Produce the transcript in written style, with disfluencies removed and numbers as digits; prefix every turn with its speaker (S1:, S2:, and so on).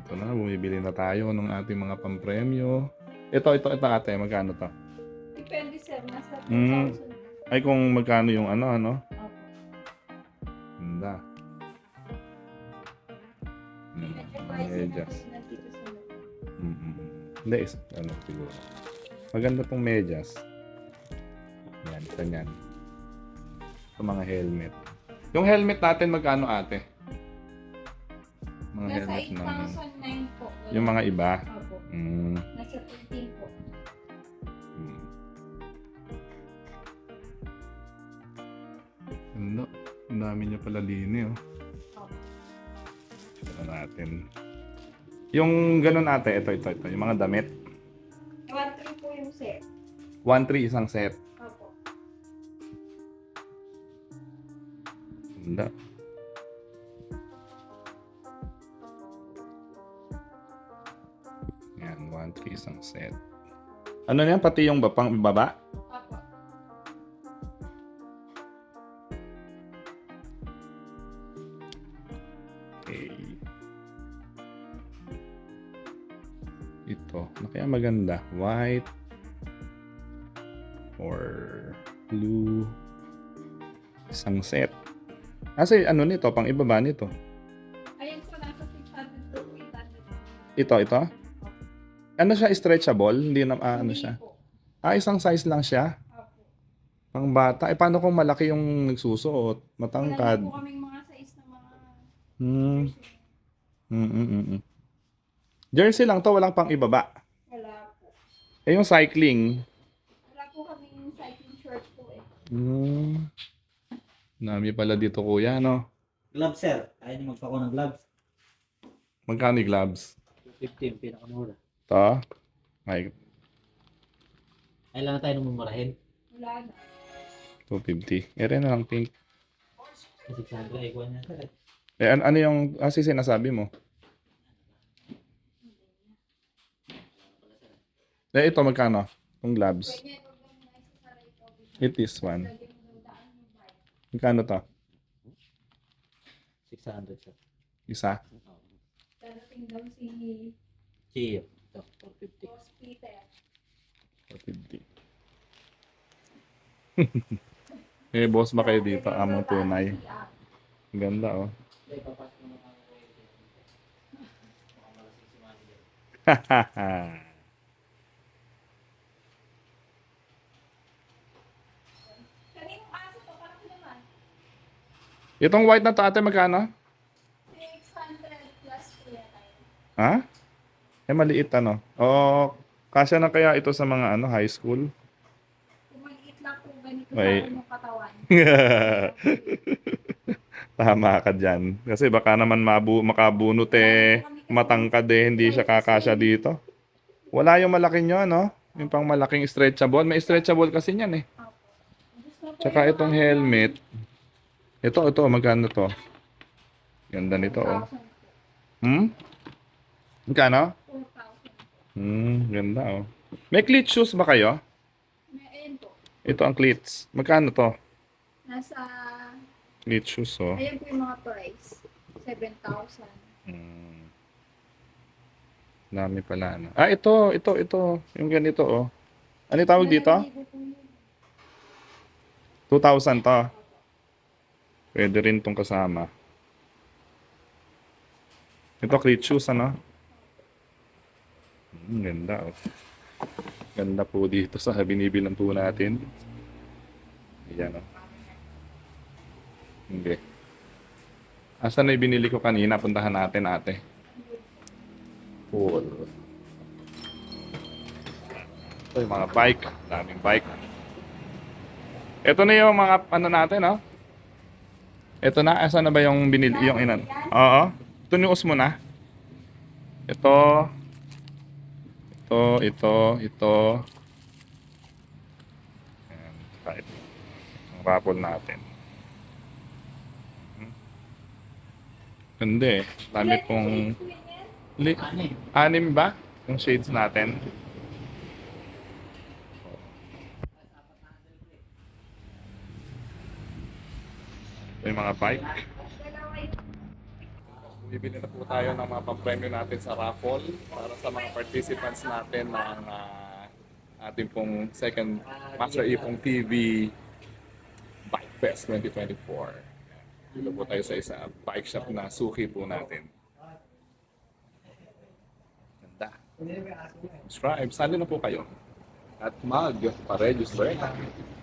S1: Ito na, bumibili na tayo ng ating mga pampremyo. Ito ate, magkano to?
S2: Depende sir, nasa
S1: Hmm,
S2: 2,000.
S1: ay kung magkano yung ano?
S2: Opo.
S1: Ganda.
S2: Medyo
S1: Mga
S2: pricey na
S1: medyas.
S2: po na dito sa loob.
S1: Hindi, ano siguro. Maganda tong medyas. Yan, ganyan. Ito mga helmet. Yung helmet natin, magkano ate? Mga
S2: Nasa
S1: helmet ng...
S2: 8,009 po.
S1: Yung mga iba.
S2: Opo.
S1: Mm.
S2: Nasa 13 po.
S1: Hmm. Ano? Ang dami niya pala lini, oh.
S2: Opo.
S1: Ito natin. Yung ganun ate, ito. Yung mga damit.
S2: 1,3 po yung set.
S1: 1-3 isang set.
S2: Opo.
S1: Ganda. Yan, 1-3 isang set. Ano yan? Pati yung pang baba?
S2: Opo.
S1: Okay. Ito. Ano kaya maganda? White or blue. Isang set. Kasi ano nito? Pang ibaba nito.
S2: Ayun po, nasa 600 to 800.
S1: Ito. Ano siya? Stretchable? Hindi na, ano
S2: Hindi
S1: siya?
S2: po.
S1: Isang size lang siya.
S2: Opo.
S1: Pang bata. Paano kung malaki yung nagsusuot?
S2: Wala
S1: Matangkad.
S2: na po kaming mga size ng mga
S1: Hmm.
S2: person.
S1: Jersey lang to, walang pang ibaba.
S2: Wala po.
S1: Eh yung cycling.
S2: Wala po kaming cycling short po eh.
S1: Dami pala dito kuya, no?
S3: Gloves, sir. Ayaw niyo magpako ng gloves.
S1: Magkano yung gloves?
S3: 250 yung pinakamura.
S1: To? Ay,
S3: Ay lang na tayo mumurahin.
S2: Wala na.
S1: 250. Ere na lang pink.
S3: 600 ay kuha niya, sir.
S1: Eh, ano yung sinasabi mo? Eh, ito magkano? Yung gloves.
S2: Pwede huwag lang na isasaray po.
S1: It is one.
S2: Lagyan mo daw daan yung bike.
S1: Magkano to?
S3: 600, sir.
S1: Isa?
S2: Darating daw si
S3: Cheer. Ito, 450.
S2: Boss Peter.
S1: 450. Eh, boss ba kayo dito? Amang tunay. Ang ganda, oh.
S3: Ay, papasok naman ako kayo dito. Mukhang malasing si manager.
S2: Kaninong aso to? Parang naman.
S1: Itong white na to, ate, magkano?
S2: 600 plus po yata yun.
S1: Ha? Eh, maliit ano. O, kasya na kaya ito sa mga ano, high school?
S2: Kung maliit lang po ganito
S1: May-
S2: sa yung katawan.
S1: Tama ka dyan. Kasi baka naman makabunot eh, matangkad eh, hindi siya kakasya dito. Wala yung malaki nyo, no? Yung pang malaking stretchable. May stretchable kasi niyan eh. Tsaka itong helmet. Ito, magkano to? Ganda nito, oh.
S2: 4,000
S1: Magkano?
S2: po. 4,000 po.
S1: Ganda, oh. May cleat shoes ba kayo?
S2: Ayun po.
S1: Ito ang cleats. Magkano to?
S2: Nasa,
S1: Cleat shoes, oh.
S2: ayun po yung mga price. 7,000.
S1: Dami pala, ano. Ah, ito. Yung ganito, oh. Ano yung tawag dito? 2,000 to. Pwede rin tong kasama. Ito, cleat shoes, ano? Ganda, oh. Ganda po dito sa binibilang po natin. Ayan, oh. Hindi. Asan na yung binili ko kanina? Puntahan natin, ate. Cool. Ito yung mga bike. Daming bike. Ito na yung mga ano natin, oh. Ito na. Asan na ba yung binili? Yung inan? Oo. Ito news mo na. Ito. Ito. Ayan. Right. Ang raffle natin. Hindi eh. Dami pong... Anim ba? Yung shades natin. Ito yung mga bike.
S2: Dalawa yung
S1: Bibili na po tayo ng mga pampremyo natin sa raffle para sa mga participants natin ng ating pong second Master Ipong TV Bike Fest 2024. Dito po tayo sa isa bike shop na suki po natin. Ganda. Subscribe, sali na po kayo at mag-pa-register.